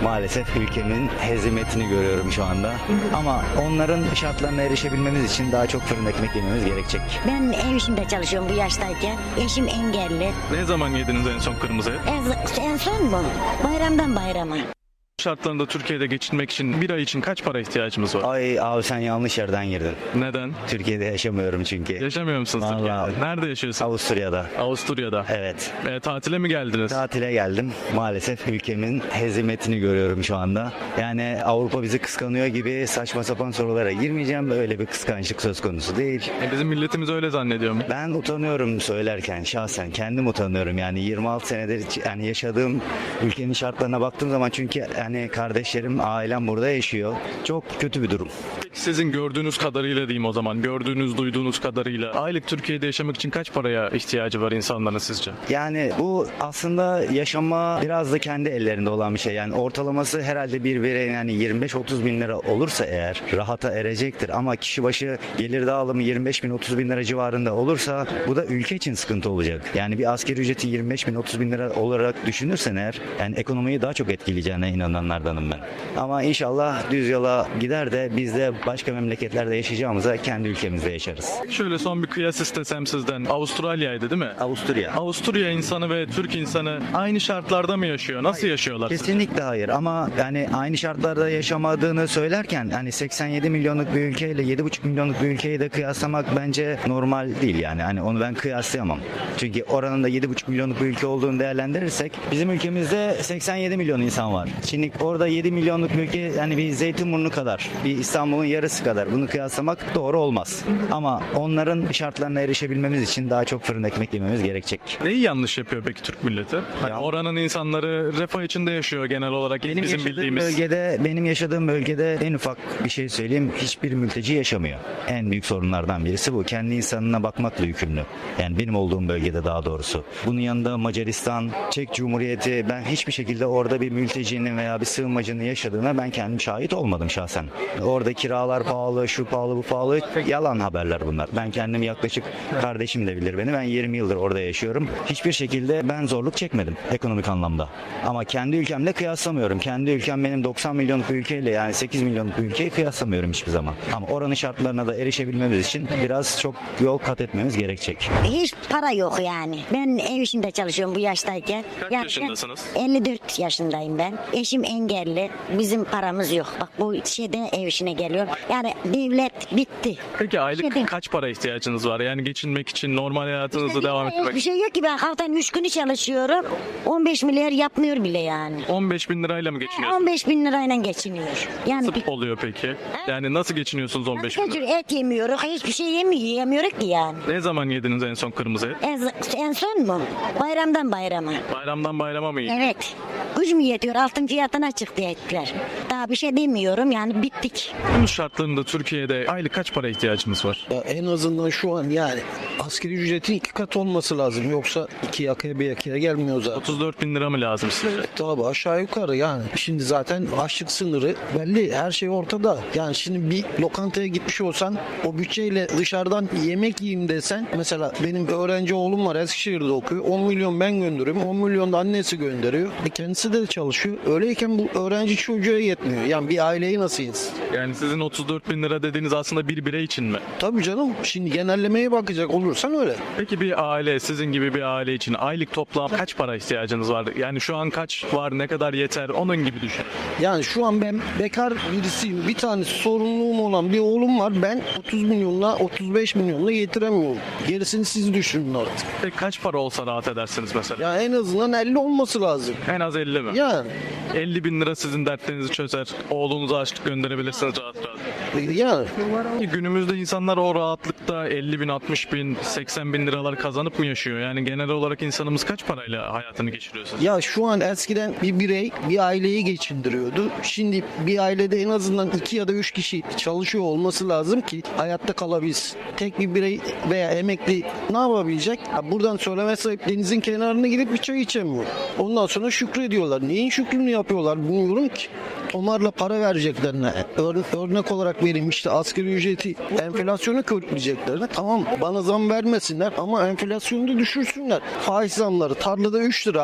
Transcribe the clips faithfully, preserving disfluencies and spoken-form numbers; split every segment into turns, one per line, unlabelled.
Maalesef ülkemin hezimetini görüyorum şu anda. Ama onların şartlarına erişebilmemiz için daha çok fırın ekmek yememiz gerekecek.
Ben ev işinde çalışıyorum bu yaştayken. Eşim engelli.
Ne zaman yediniz en son kırmızı et?
En, en son mu? Bayramdan bayrama.
Şartlarında Türkiye'de geçinmek için bir ay için kaç para ihtiyacımız var?
Ay abi sen yanlış yerden girdin.
Neden?
Türkiye'de yaşamıyorum çünkü.
Yaşamıyor musunuz
Vallahi.
Türkiye'de? Nerede yaşıyorsunuz?
Avusturya'da.
Avusturya'da.
Evet.
E, tatile mi geldiniz?
Tatile geldim. Maalesef ülkemin hezimetini görüyorum şu anda. Yani Avrupa bizi kıskanıyor gibi saçma sapan sorulara girmeyeceğim. Böyle bir kıskançlık söz konusu değil.
E, bizim milletimiz öyle zannediyor mu?
Ben utanıyorum söylerken şahsen. Kendim utanıyorum. Yani yirmi altı senedir yani yaşadığım ülkenin şartlarına baktığım zaman çünkü yani kardeşlerim, ailem burada yaşıyor. Çok kötü bir durum.
Sizin gördüğünüz kadarıyla diyeyim o zaman. Gördüğünüz, duyduğunuz kadarıyla. Aylık Türkiye'de yaşamak için kaç paraya ihtiyacı var insanların sizce?
Yani bu aslında yaşama biraz da kendi ellerinde olan bir şey. Yani ortalaması herhalde bir bireyin yani yirmi beş otuz bin lira olursa eğer rahata erecektir. Ama kişi başı gelir dağılımı yirmi beş bin otuz bin lira civarında olursa bu da ülke için sıkıntı olacak. Yani bir asgari ücreti yirmi beş bin otuz bin lira olarak düşünürsen eğer yani ekonomiyi daha çok etkileyeceğine inananlardanım ben. Ama inşallah düz yola gider de biz de başka memleketlerde yaşayacağımıza kendi ülkemizde yaşarız.
Şöyle son bir kıyas istesem sizden. Avustralya'ydı değil mi?
Avusturya.
Avusturya insanı ve Türk insanı aynı şartlarda mı yaşıyor? Nasıl yaşıyorlar?
Kesinlikle hayır ama yani aynı şartlarda yaşamadığını söylerken hani seksen yedi milyonluk bir ülkeyle yedi buçuk milyonluk bir ülkeyi de kıyaslamak bence normal değil yani. Hani onu ben kıyaslayamam. Çünkü oranın da yedi buçuk milyonluk bir ülke olduğunu değerlendirirsek bizim ülkemizde seksen yedi milyon insan var. Şimdi orada yedi milyonluk bir ülke yani bir Zeytinburnu kadar, bir İstanbul'un yarısı kadar bunu kıyaslamak doğru olmaz. Ama onların şartlarına erişebilmemiz için daha çok fırın ekmek yememiz gerekecek.
Neyi yanlış yapıyor peki Türk milleti? Hani
Ya-
oranın insanları refah içinde yaşıyor genel olarak
Benim
bizim
yaşadığım
bildiğimiz.
bölgede, benim yaşadığım bölgede en ufak bir şey söyleyeyim, hiçbir mülteci yaşamıyor. En büyük sorunlardan birisi bu. Kendi insanına bakmakla yükümlü. Yani benim olduğum bölgede daha doğrusu. Bunun yanında Macaristan, Çek Cumhuriyeti, ben hiçbir şekilde orada bir mültecinin veya bir sığınmacının yaşadığına ben kendim şahit olmadım şahsen. Orada kiralar pahalı, şu pahalı, bu pahalı. Yalan haberler bunlar. Ben kendim yaklaşık, kardeşim de bilir beni. Ben yirmi yıldır orada yaşıyorum. Hiçbir şekilde ben zorluk çekmedim ekonomik anlamda. Ama kendi ülkemle kıyaslamıyorum. Kendi ülkem benim doksan milyonluk bir ülkeyle yani sekiz milyonluk bir ülkeyi kıyaslamıyorum hiçbir zaman. Ama oranın şartlarına da erişebilmemiz için biraz çok yol kat etmemiz gerekecek.
Hiç para yok yani. Ben ev işinde çalışıyorum bu yaştayken.
Kaç
Yani
yaşındasınız?
elli dört yaşındayım ben. Eşim engelli. Bizim paramız yok. Bak bu şeyde ev işine geliyorum. Yani devlet bitti.
Peki aylık
Şeyde-
kaç para ihtiyacınız var? Yani geçinmek için normal hayatınızı devam ettirmek
Bir
için.
şey yok ki ben haftanın üç günü çalışıyorum. on beş milyar yapmıyor bile yani.
on beş bin lirayla mı geçiniyorsunuz?
on beş bin lirayla geçiniyor. Yani bir
Nasıl oluyor peki? Yani nasıl geçiniyorsunuz on beş bin lira?
et yemiyoruz. Hiçbir şey yemiyor, yemiyoruz ki yani.
Ne zaman yediniz en son kırmızı et?
En, en son mu? Bayramdan bayrama.
Bayramdan bayrama mı yediniz?
Evet. Güç mü yetiyor? Altın fiyatına çıktı etler. Daha bir şey demiyorum yani bittik.
Günümüz şartlarında Türkiye'de aylık kaç para ihtiyacımız var?
Ya en azından şu an yani asgari ücretin iki kat olması lazım. Yoksa iki yakaya bir yakaya gelmiyor zaten.
otuz dört bin lira mı lazım size?
Tabii aşağı yukarı yani. Şimdi zaten açlık sınırı belli. Her şey ortada. Yani şimdi bir lokantaya gitmiş olsan o bütçeyle dışarıdan yemek yiyeyim desen mesela benim bir öğrenci oğlum var Eskişehir'de okuyor. on milyon ben gönderiyorum. on milyon da annesi gönderiyor. E kendisi de çalışıyor. Öyleyken bu öğrenci çocuğa yetmiyor. Yani bir aileyi nasıl yesin?
Yani sizin otuz dört bin lira dediğiniz aslında bir birey için mi?
Tabii canım. Şimdi genellemeye bakacak olursan öyle.
Peki bir aile, sizin gibi bir aile için aylık toplam kaç para ihtiyacınız var? Yani şu an kaç var, ne kadar yeter, onun gibi düşün.
Yani şu an ben bekar birisiyim. Bir tane sorumluluğum olan bir oğlum var. Ben otuz milyonla otuz beş milyonla yetiremiyorum. Gerisini siz düşünün artık.
Peki kaç para olsa rahat edersiniz mesela?
Ya en azından elli olması lazım.
En az elli mi?
Yani
elli bin lira sizin dertlerinizi çözer. Oğlunuza açlık gönderebilirsiniz rahat rahat.
yani
Günümüzde insanlar o rahatlıkta elli bin, altmış bin, seksen bin liralar kazanıp mı yaşıyor? Yani genel olarak insanımız kaç parayla hayatını geçiriyor sizce?
ya şu an eskiden bir birey bir aileyi geçindiriyordu. Şimdi bir ailede en azından iki ya da üç kişi çalışıyor olması lazım ki hayatta kalabilsin. Tek bir birey veya emekli ne yapabilecek? Ya buradan söyleme sahip denizin kenarına gidip bir çay içemiyor. Ondan sonra şükrediyorlar. Neyin şükrünü yapıyorlar bilmiyorum ki. Tomarla para vereceklerine, ör- örnek olarak vereyim işte asgari ücreti enflasyonu körükleyeceklerine tamam bana zam vermesinler ama enflasyonu da düşürsünler. Faiz zamları tarlada üç lira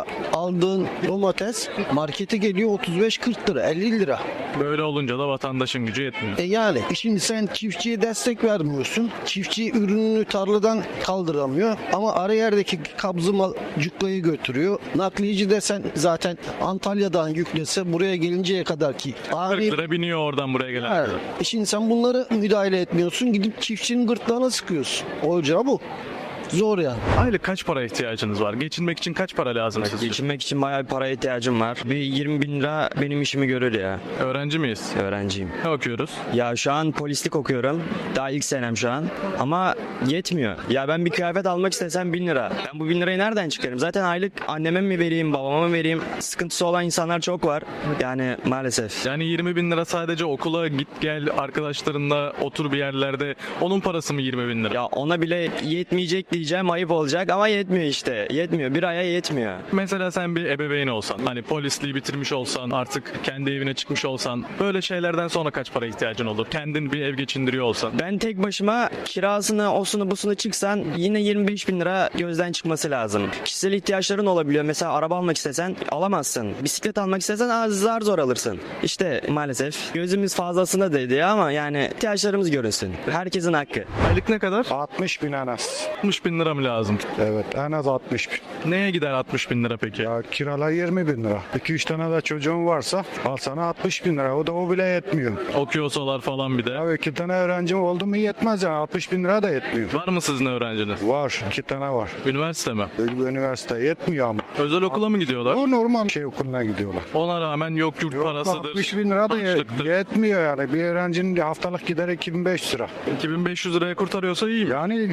aldığın domates markete geliyor otuz beş kırk lira, elli lira.
Böyle olunca da vatandaşın gücü yetmiyor.
E yani şimdi sen çiftçiye destek vermiyorsun. Çiftçi ürününü tarladan kaldıramıyor ama ara yerdeki kabzı mal cukkayı götürüyor. Nakliyeci desen zaten Antalya'dan yüklese buraya gelinceye kadar ki
kırk
ağrı.
lira biniyor oradan buraya gelen.
Evet. E şimdi sen bunları müdahale etmiyorsun. Gidip çiftçinin gırtlağına sıkıyorsun. Olacağı bu. Zor yani.
Aylık kaç para ihtiyacınız var? Geçinmek için kaç para lazım sizce?
Geçinmek için bayağı bir paraya ihtiyacım var. Bir yirmi bin lira benim işimi görür ya.
Öğrenci miyiz?
Öğrenciyim.
Ne okuyoruz?
Ya şu an polislik okuyorum. Daha ilk senem şu an. Ama yetmiyor. Ya ben bir kıyafet almak istesem bin lira. Ben bu bin lirayı nereden çıkarım? Zaten aylık anneme mi vereyim, babama mı vereyim? Sıkıntısı olan insanlar çok var. Yani maalesef.
Yani yirmi bin lira sadece okula git gel arkadaşlarınla otur bir yerlerde. Onun parası mı yirmi bin lira?
Ya ona bile yetmeyecek diyeceğim, ayıp olacak ama yetmiyor işte. Yetmiyor. Bir aya yetmiyor.
Mesela sen bir ebeveyn olsan, hani polisliği bitirmiş olsan, artık kendi evine çıkmış olsan, böyle şeylerden sonra kaç para ihtiyacın olur? Kendin bir ev geçindiriyor olsan.
Ben tek başıma kirasını, osunu, busunu çıksan yine yirmi beş bin lira gözden çıkması lazım. Kişisel ihtiyaçların olabiliyor. Mesela araba almak istesen alamazsın. Bisiklet almak istesen az zar zor alırsın. İşte maalesef gözümüz fazlasına değdi ama yani ihtiyaçlarımız görünsün. Herkesin hakkı.
Aylık ne kadar?
altmış bin en az.
altmış bin lira mı lazım?
Evet en az altmış bin.
Neye gider altmış bin lira peki?
Ya kiralar yirmi bin lira. iki üç tane de çocuğun varsa al sana altmış bin lira. O da o bile yetmiyor.
Okuyorsalar falan bir de.
Ya iki tane öğrencim oldu mu yetmez yani. altmış bin lira da yetmiyor.
Var mı sizin öğrenciniz?
Var. iki tane var.
Üniversite mi?
Üniversite yetmiyor ama.
Özel okula mı gidiyorlar?
O normal şey okuluna gidiyorlar.
Ona rağmen yok yurt
Yok,
parasıdır.
altmış bin lira da ye-
harçlıktır.
yetmiyor yani. Bir öğrencinin haftalık gideri iki bin beş yüz lira.
iki bin beş yüz liraya kurtarıyorsa iyi.
Yani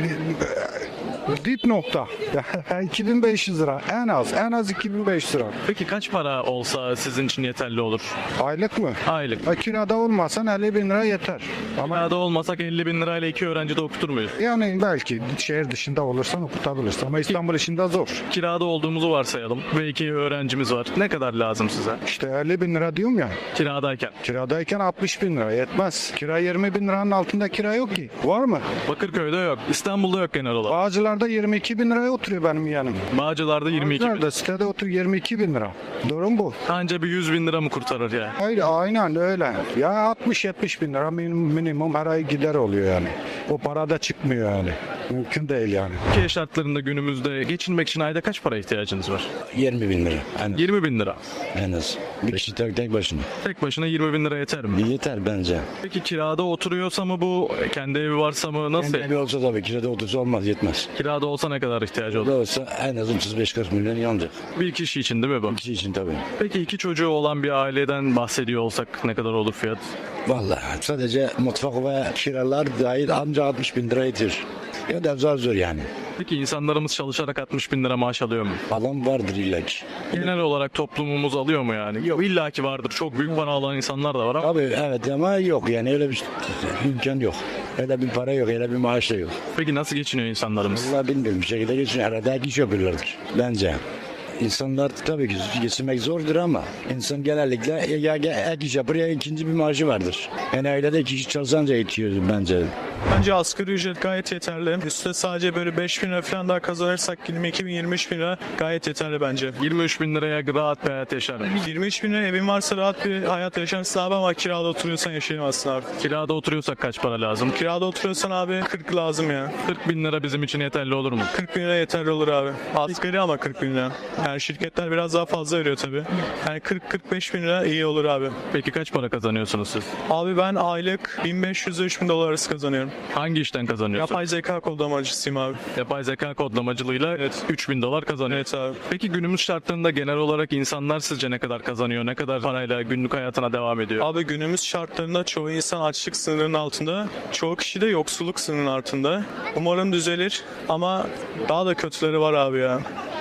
dip nokta. iki bin beş yüz lira en az. En az iki bin beş yüz lira.
Peki kaç para olsa sizin için yeterli olur?
Aylık mı?
Aylık.
Ha, kirada olmasan elli bin lira yeter. Ama
Kirada olmasak elli bin lirayla iki öğrenci de okutur muyuz?
yani belki şehir dışında olursan okutabilirsin ama İstanbul içinde zor.
Kirada olduğumuzu varsayalım ve iki öğrencimiz var. Ne kadar lazım size?
İşte elli bin lira diyorum ya.
Kiradayken.
Kiradayken altmış bin lira yetmez. Kira yirmi bin liranın altında kira yok ki. Var mı?
Bakırköy'de yok. İstanbul'da yok genel olarak.
Bağcılar'da yirmi iki bin liraya oturuyor benim yanım.
Bağcılar'da yirmi iki bin.
Bağcılar'da sitede oturuyor yirmi iki bin lira. Durum bu.
Anca bir yüz bin lira mı kurtarır ya?
Hayır aynen öyle. Ya altmış yetmiş bin lira minimum, minimum her ay gider oluyor yani. O para da çıkmıyor yani. Mümkün değil yani.
Türkiye şartlarında günümüzde geçinmek için ayda kaç para ihtiyacınız var?
yirmi bin lira en,
yirmi bin lira.
en az. Bir kişi tek, tek başına.
Tek başına yirmi bin lira yeter mi?
Yeter bence.
Peki kirada oturuyorsa mı bu? Kendi evi varsa mı? Nasıl?
Kendi evi olsa tabii kirada otursa olmaz yetmez.
Kirada olsa ne kadar ihtiyacı
Kirada
olur?
olsa en az otuz beş kırk milyon yanacak.
Bir kişi için değil mi bu?
Kişi için tabii.
Peki iki çocuğu olan bir aileden bahsediyor olsak ne kadar olur fiyat?
Vallahi sadece mutfak ve kiralar dahil ancak altmış bin lira yetir. Ya da zor zor yani.
Peki insanlarımız çalışarak altmış bin lira maaş alıyor mu?
Adam vardır illa ki.
Genel olarak toplumumuz alıyor mu yani? Yok illaki vardır. Çok büyük para alan insanlar da var ama.
Tabii evet ama yok yani öyle bir imkan yok. Öyle bir para yok, öyle bir maaş da yok.
Peki nasıl geçiniyor insanlarımız?
Vallahi bilmiyorum bir şekilde geçin. Arada ek iş yapıyorlardır bence. İnsanlar tabii ki geçinmek zordur ama insan genellikle ya ek iş yapar ya ikinci bir maaşı vardır. Yani ailede iki kişi çalışanca yetiyor bence.
Bence asgari ücret gayet yeterli. Üstte sadece böyle beş bin lira falan daha kazanırsak yirmi iki bin yirmi üç bin lira gayet yeterli bence.
yirmi üç bin liraya rahat bir hayat yaşarım.
yirmi üç bin lira evin varsa rahat bir hayat yaşarsın abi ama kirada oturuyorsan yaşayamazsın abi.
Kirada oturuyorsak kaç para lazım?
Kirada oturuyorsan abi kırk lazım ya.
kırk bin lira bizim için yeterli olur mu?
kırk bin lira yeterli olur abi. Asgari ama kırk bin lira. Yani şirketler biraz daha fazla veriyor tabii. Yani kırk kırk beş bin lira iyi olur abi.
Peki kaç para kazanıyorsunuz siz?
Abi ben aylık bin beş yüz ile üç bin dolar arası kazanıyorum.
Hangi işten kazanıyorsun?
Yapay zeka kodlamacısıyım abi.
Yapay zeka kodlamacılığıyla
Evet.
üç bin dolar kazanıyor.
Evet abi.
Peki günümüz şartlarında genel olarak insanlar sizce ne kadar kazanıyor? Ne kadar parayla günlük hayatına devam ediyor?
Abi günümüz şartlarında çoğu insan açlık sınırının altında, çoğu kişi de yoksulluk sınırının altında. Umarım düzelir ama daha da kötüleri var abi ya.